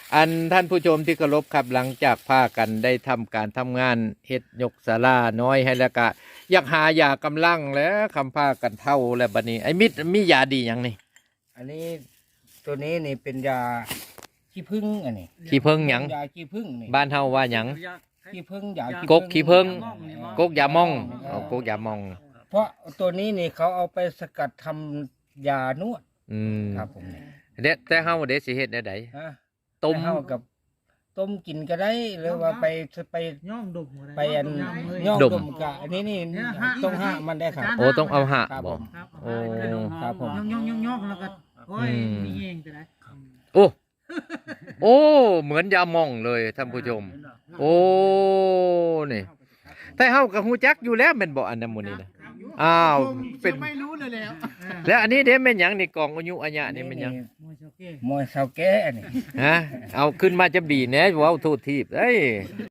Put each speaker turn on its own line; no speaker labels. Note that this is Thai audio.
อันท่านผู้ชมที่เคารพครับหลังจากพากันได้ทำการทำงานเฮ็ดยกศาลาน้อยให้แล้วก็อยากหายากำลังแล้วคำพากันเท่าแล้วบัดนี้ไอ้มิตรมียาดีหยังนี่
อันนี้ตัวนี้นี่เป็นยาขี้ผึ้งอันนี้
ขี้เพิ่งหยัง
ยาขี้ผึ้งนี่
บ้านเฮาว่าหยัง
ขี้ผึ้งยา
กกขี้ผึ้ง
ผึ้
กกยามองเอากกยามอง
เพราะตัวนี้นี่เขาเอาไปสกัดทำยานวด
อืม
ครับผมนี่
เด็ดแต่เฮาเด็ดสิเฮ็ดแนวใด
ฮะ
ต้ม
ให้เฮากับต้มกินก็ได้หรือว่าไป
ย่อมดมหัว
ไปอันย่อมดมกะอันนี้นี่ต้องห้ามมันได้ครับ
โอ้ต้องเอาหะ
ครับ
บ่
ผม
ครับ
โอ้
ครับผม
ย่องแล้วก็โอ้ยมีเองจะได้
โอ้โอ้เหมือนยามองเลยท่านผู้ชม โอ้นี่แต่เฮาก็ฮู้จักอยู่แล้วแม่นบ่อันนั้นหมื้นี้นะอ้าวเป็น
ไม่รู้เลยแล้ว
แล้วอันนี้เด้แม่นหยังนี่กองอายุอัญญะนี่แม่นหยัง
มวยโชเก้
มวยเสาแก้อันนี้
ฮะเอาขึ้นมาจะบีแหน่เว้าโทษทีบเอ้ย